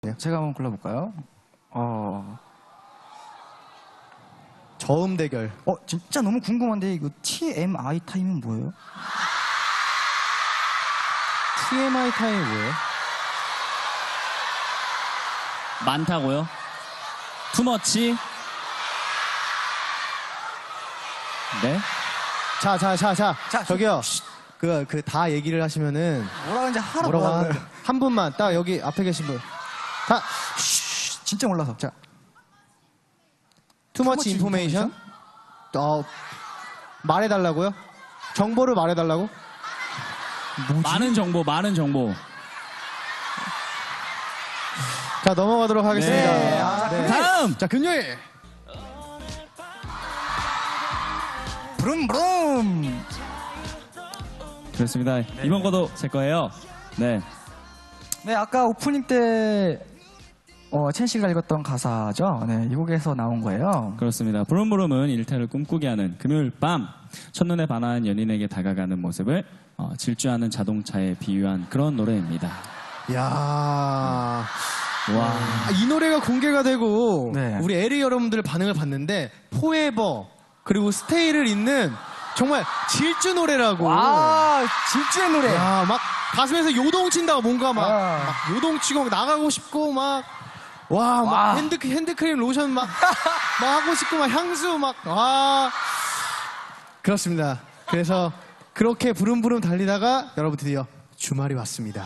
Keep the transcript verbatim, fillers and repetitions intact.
제가 한번 골라볼까요? 어, 저음 대결. 어 진짜 너무 궁금한데 이거 티엠아이 타임은 뭐예요? 티엠아이 타임이 뭐예요? 많다고요? 투머치? 네? 자, 자, 자, 자. 자, 저기요. 그, 그, 다 얘기를 하시면은. 뭐라 그러는지 하라 뭐라고 뭐라 하는, 그래요. 한 분만, 딱 여기 앞에 계신 분. 다, 쉬, 진짜 몰라서. 자, 투머치 Too much 인포메이션? 어, 말해달라고요? 정보를 말해달라고? 많은 정보, 많은 정보. 자, 넘어가도록 하겠습니다. 네. 아, 네. 다음! 자, 금요일. 브룸브룸. 그렇습니다. 이번 거도 제 거예요. 네. 네, 아까 오프닝 때 어, 첸 씨가 읽었던 가사죠. 네, 이 곡에서 나온 거예요. 그렇습니다. 부름부름은 일탈을 꿈꾸게 하는 금요일 밤 첫눈에 반한 연인에게 다가가는 모습을 어, 질주하는 자동차에 비유한 그런 노래입니다. 이야. 와. 아, 이 노래가 공개가 되고 네. 우리 에리 여러분들 반응을 봤는데 포에버 그리고 스테이를 잇는 정말 질주 노래라고. 와, 질주의 노래. 야, 막 가슴에서 요동친다고 뭔가 막, 아. 막 요동치고 막 나가고 싶고 막 와, 막 와. 핸드 핸드크림 로션 막, 막 하고 싶고 막 향수 막 와. 그렇습니다. 그래서 그렇게 부름부름 달리다가 여러분 드디어 주말이 왔습니다.